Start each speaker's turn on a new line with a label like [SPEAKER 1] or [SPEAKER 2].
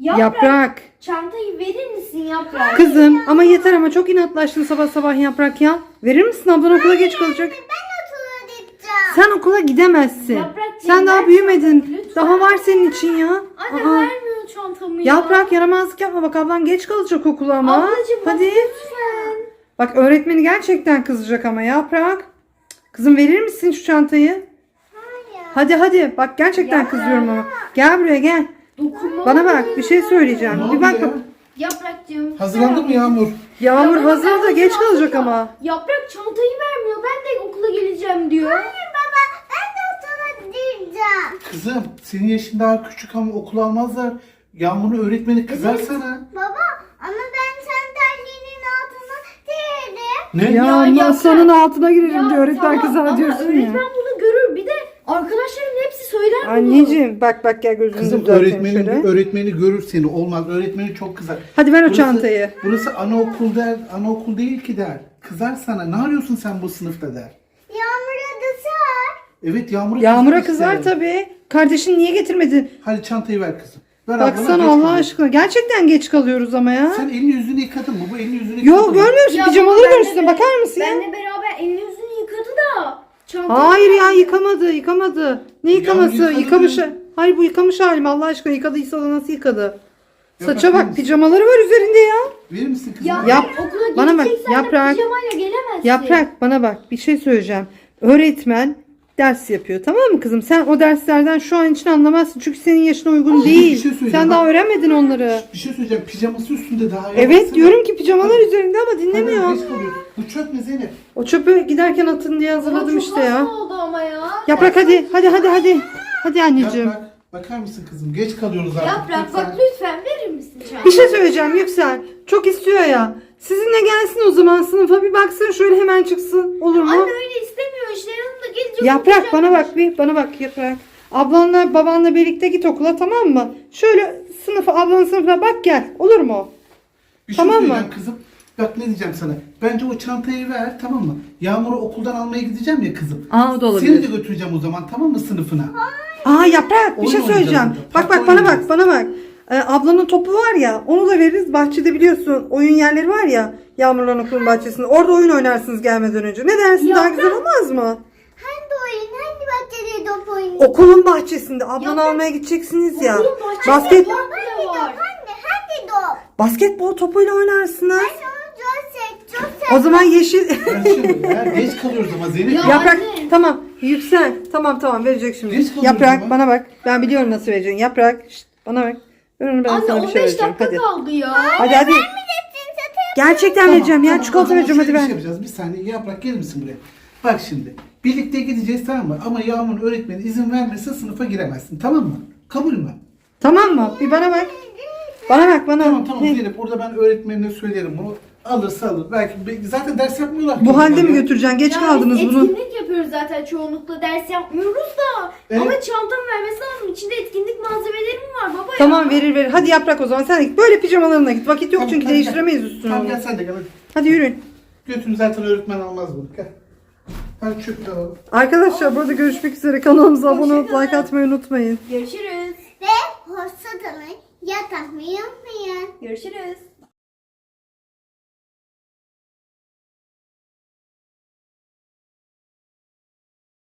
[SPEAKER 1] Yaprak.
[SPEAKER 2] Çantayı verir misin Yaprak?
[SPEAKER 1] Kızım ama yeter ama çok inatlaştın sabah sabah Yaprak ya. Verir misin, ablan okula geç kalacak.
[SPEAKER 3] Ben okula gideceğim.
[SPEAKER 1] Sen okula gidemezsin.
[SPEAKER 2] Yaprakcığım,
[SPEAKER 1] Sen daha
[SPEAKER 2] ver
[SPEAKER 1] büyümedin.
[SPEAKER 2] çantamı lütfen.
[SPEAKER 1] Daha var senin için ya.
[SPEAKER 2] Anne
[SPEAKER 1] Aa.
[SPEAKER 2] vermiyor çantamı ya.
[SPEAKER 1] Yaprak yaramazlık yapma, bak ablan geç kalacak okula ama.
[SPEAKER 2] Ablacığım bak
[SPEAKER 1] Hadi.
[SPEAKER 2] lütfen.
[SPEAKER 1] Bak öğretmeni gerçekten kızacak ama Yaprak. Kızım verir misin şu çantayı?
[SPEAKER 3] Hayır.
[SPEAKER 1] Hadi bak gerçekten
[SPEAKER 2] Yaprak.
[SPEAKER 1] kızıyorum ama. Gel buraya gel.
[SPEAKER 2] Dokunma.
[SPEAKER 1] Bana bak bir şey söyleyeceğim.
[SPEAKER 4] Ne
[SPEAKER 1] Bir
[SPEAKER 4] oldu
[SPEAKER 1] bak.
[SPEAKER 4] ya?
[SPEAKER 2] Yaprakcığım.
[SPEAKER 4] Hazırlandı mı Yağmur?
[SPEAKER 1] Yağmur
[SPEAKER 2] Ya baba,
[SPEAKER 1] hazır da
[SPEAKER 2] ben
[SPEAKER 1] geç
[SPEAKER 2] hazırlandım
[SPEAKER 1] kalacak
[SPEAKER 2] ya.
[SPEAKER 1] ama.
[SPEAKER 2] Yaprak çantayı vermiyor. Ben de okula geleceğim diyor.
[SPEAKER 3] Hayır baba, ben de okula gideceğim.
[SPEAKER 4] Kızım senin yaşın daha küçük ama okula almazlar. Yağmur'un öğretmeni kızar sana.
[SPEAKER 3] Baba, ama ben sen terliğinin altına değilim.
[SPEAKER 4] Ne?
[SPEAKER 1] Ya
[SPEAKER 2] Ya
[SPEAKER 1] masanın altına girelim
[SPEAKER 2] Ya
[SPEAKER 1] diyor. Öğretmen
[SPEAKER 2] tamam,
[SPEAKER 1] kızar
[SPEAKER 2] ama
[SPEAKER 1] diyorsun ya.
[SPEAKER 2] öğretmen bunu görür. Bir de arkadaşlarım hepsi söyler bunu.
[SPEAKER 1] Anneciğim bak gel gözünü
[SPEAKER 4] Kızım
[SPEAKER 1] düzelteyim şöyle.
[SPEAKER 4] öğretmeni görür seni. Olmaz. Öğretmeni çok kızar.
[SPEAKER 1] Hadi ver o
[SPEAKER 4] Burası-
[SPEAKER 1] çantayı.
[SPEAKER 4] Burası anaokul der. Anaokul değil ki der. Kızar sana. Ne arıyorsun sen bu sınıfta der.
[SPEAKER 3] Yağmur'a da sar.
[SPEAKER 4] Evet Yağmur'a
[SPEAKER 1] Yağmur'a
[SPEAKER 4] kızar
[SPEAKER 1] kızar
[SPEAKER 4] işte.
[SPEAKER 1] tabii. Kardeşin niye getirmedin?
[SPEAKER 4] Hadi çantayı ver kızım. Ver ablana,
[SPEAKER 1] Baksana
[SPEAKER 4] geç
[SPEAKER 1] Allah
[SPEAKER 4] kalıyorsun.
[SPEAKER 1] aşkına. Gerçekten geç kalıyoruz ama ya.
[SPEAKER 4] Sen elini yüzünü yıkadın mı? Bu elini yüzünü
[SPEAKER 1] Yo
[SPEAKER 4] yıkadın mı?
[SPEAKER 1] görmüyor musun?
[SPEAKER 2] Ya
[SPEAKER 1] Pijamaları
[SPEAKER 2] baba,
[SPEAKER 1] görürsün. Bakar mısın ya?
[SPEAKER 2] Benle beraber elini yüzünü yıkadı da. Çantayı
[SPEAKER 1] Hayır ya
[SPEAKER 2] vermiyor.
[SPEAKER 1] yıkamadı. Ne yıkaması?
[SPEAKER 4] yıkadı
[SPEAKER 1] Yıkamış.
[SPEAKER 4] diyor.
[SPEAKER 1] Hayır bu yıkamış halim Allah aşkına. Yıkadıysa da nasıl yıkadı?
[SPEAKER 4] Ya
[SPEAKER 1] Saça
[SPEAKER 4] bakar
[SPEAKER 1] bak
[SPEAKER 4] mısın?
[SPEAKER 1] pijamaları var üzerinde ya.
[SPEAKER 4] Verir misin kızım?
[SPEAKER 2] Ya
[SPEAKER 1] Yap.
[SPEAKER 2] okula
[SPEAKER 1] Bana bak,
[SPEAKER 2] gideceksen de
[SPEAKER 1] Yaprak.
[SPEAKER 2] pijamayla gelemezsin.
[SPEAKER 1] Yaprak bana bak bir şey söyleyeceğim. Öğretmen ders yapıyor tamam mı kızım? Sen o derslerden şu an için anlamazsın. Çünkü senin yaşına uygun
[SPEAKER 4] bir
[SPEAKER 1] değil.
[SPEAKER 4] şey söyleyeceğim.
[SPEAKER 1] Sen daha öğrenmedin onları.
[SPEAKER 4] Bir şey söyleyeceğim. Pijaması üstünde daha.
[SPEAKER 1] Evet
[SPEAKER 4] Baksana.
[SPEAKER 1] diyorum ki pijamalar üzerinde ama
[SPEAKER 4] Hadi,
[SPEAKER 1] dinlemiyor.
[SPEAKER 4] geç kalıyor. Bu çöp ne Zeynep?
[SPEAKER 1] O çöpü giderken atın diye
[SPEAKER 2] Ama
[SPEAKER 1] hazırladım
[SPEAKER 2] çok
[SPEAKER 1] işte ya.
[SPEAKER 2] hasta oldu ama ya.
[SPEAKER 1] Yaprak hadi. Hadi anneciğim.
[SPEAKER 4] Yaprak, bakar mısın kızım? Geç kalıyoruz artık.
[SPEAKER 2] Yaprak
[SPEAKER 4] lütfen.
[SPEAKER 2] bak lütfen verir misin çantayı?
[SPEAKER 1] Bir şey söyleyeceğim Yüksel. Çok istiyor ya. Sizinle gelsin o zaman sınıfa bir baksın şöyle hemen çıksın. Olur mu?
[SPEAKER 2] Anne öyle istemiyor işte yanımda gelecek.
[SPEAKER 1] Yaprak bana bak Yaprak. Ablanla babanla birlikte git okula tamam mı? Şöyle ablanın sınıfına bak gel. Olur mu?
[SPEAKER 4] Bir şey
[SPEAKER 1] Tamam mı?
[SPEAKER 4] söyleyeceğim kızım. Bak ne diyeceğim sana. Bence o çantayı ver tamam mı? Yağmur'u okuldan almaya gideceğim ya kızım.
[SPEAKER 1] Aa o da
[SPEAKER 4] Seni de götüreceğim o zaman tamam mı sınıfına?
[SPEAKER 1] Aa Yaprak bir
[SPEAKER 4] Oyun
[SPEAKER 1] şey söyleyeceğim.
[SPEAKER 4] oynayacağız
[SPEAKER 1] Bak
[SPEAKER 4] burada.
[SPEAKER 1] bak
[SPEAKER 4] Park
[SPEAKER 1] bana bak. Ablanın topu var ya onu da veririz. Bahçede biliyorsun oyun yerleri var ya. Yağmurların okulun bahçesinde. Orada oyun oynarsınız gelmeden önce. Ne dersin daha güzel olmaz mı?
[SPEAKER 3] Hangi oyun, hangi bahçede top oyunu?
[SPEAKER 1] Okulun bahçesinde ablanı
[SPEAKER 2] Yaprak.
[SPEAKER 1] almaya gideceksiniz ya.
[SPEAKER 2] Okulun bahçesinde
[SPEAKER 1] Basket
[SPEAKER 2] top
[SPEAKER 3] Hangi top,
[SPEAKER 2] var.
[SPEAKER 3] hangi top?
[SPEAKER 1] basketbol topuyla oynarsınız.
[SPEAKER 3] Ben onu çok sevdim.
[SPEAKER 1] O zaman yeşil
[SPEAKER 4] Ver şimdi ya. Geç kalıyoruz ama Zeynep.
[SPEAKER 2] Ya.
[SPEAKER 1] Yaprak
[SPEAKER 2] Anne.
[SPEAKER 1] tamam Yüksel tamam verecek şimdi.
[SPEAKER 4] Geç kalıyoruz
[SPEAKER 1] Yaprak
[SPEAKER 4] ama.
[SPEAKER 1] bana bak. Ben biliyorum nasıl vereceğini. Yaprak şşt, bana bak. Ben
[SPEAKER 2] Anne
[SPEAKER 1] sana bir
[SPEAKER 2] 15
[SPEAKER 1] şey vereceğim.
[SPEAKER 2] dakika
[SPEAKER 1] Hadi.
[SPEAKER 2] kaldı ya.
[SPEAKER 1] Hadi.
[SPEAKER 3] Vermeyeceksin zaten.
[SPEAKER 1] Gerçekten vereceğim ya. Çikolata
[SPEAKER 4] o zaman
[SPEAKER 1] vereceğim hadi
[SPEAKER 4] şöyle bir
[SPEAKER 1] ver.
[SPEAKER 4] şey yapacağız. Bir saniye Yaprak gelir misin buraya? Bak şimdi. Birlikte gideceğiz tamam mı? Ama Yağmur'un öğretmeni izin vermezse sınıfa giremezsin. Tamam mı? Kabul mü?
[SPEAKER 1] Tamam mı? Bir bana bak. Bana bak bana.
[SPEAKER 4] Tamam
[SPEAKER 1] Ne?
[SPEAKER 4] Zeynep. Burada ben öğretmenine söylerim bunu. Alırsa alır. Belki zaten ders yapmıyorlar ki.
[SPEAKER 1] Bu halde mi
[SPEAKER 4] onlar ya.
[SPEAKER 1] götüreceksin? Geç
[SPEAKER 2] Ya
[SPEAKER 1] kaldınız
[SPEAKER 2] biz
[SPEAKER 1] bunu.
[SPEAKER 2] etkinlik yapıyoruz zaten çoğunlukla ders yapmıyoruz da.
[SPEAKER 4] Evet.
[SPEAKER 2] Ama çantamı vermesi lazım. İçinde etkinlik malzemeleri mi var baba ya?
[SPEAKER 1] Tamam verir. Hadi Yaprak o zaman sen de git. Böyle pijamalarına git. Vakit yok
[SPEAKER 4] Tamam,
[SPEAKER 1] çünkü
[SPEAKER 4] hadi
[SPEAKER 1] değiştiremeyiz
[SPEAKER 4] gel.
[SPEAKER 1] üstünü.
[SPEAKER 4] Tamam
[SPEAKER 1] onu.
[SPEAKER 4] gel sen de gel hadi.
[SPEAKER 1] Hadi yürüyün.
[SPEAKER 4] Götürün zaten öğretmen almaz bunu. Gel. Hadi çöp de alalım.
[SPEAKER 1] Arkadaşlar burada görüşmek üzere. Kanalımıza abone olup like atmayı unutmayın.
[SPEAKER 2] Görüşürüz.
[SPEAKER 3] Ve hoşça kalın. Yatakmayı unutmayın.
[SPEAKER 2] Görüşürüz.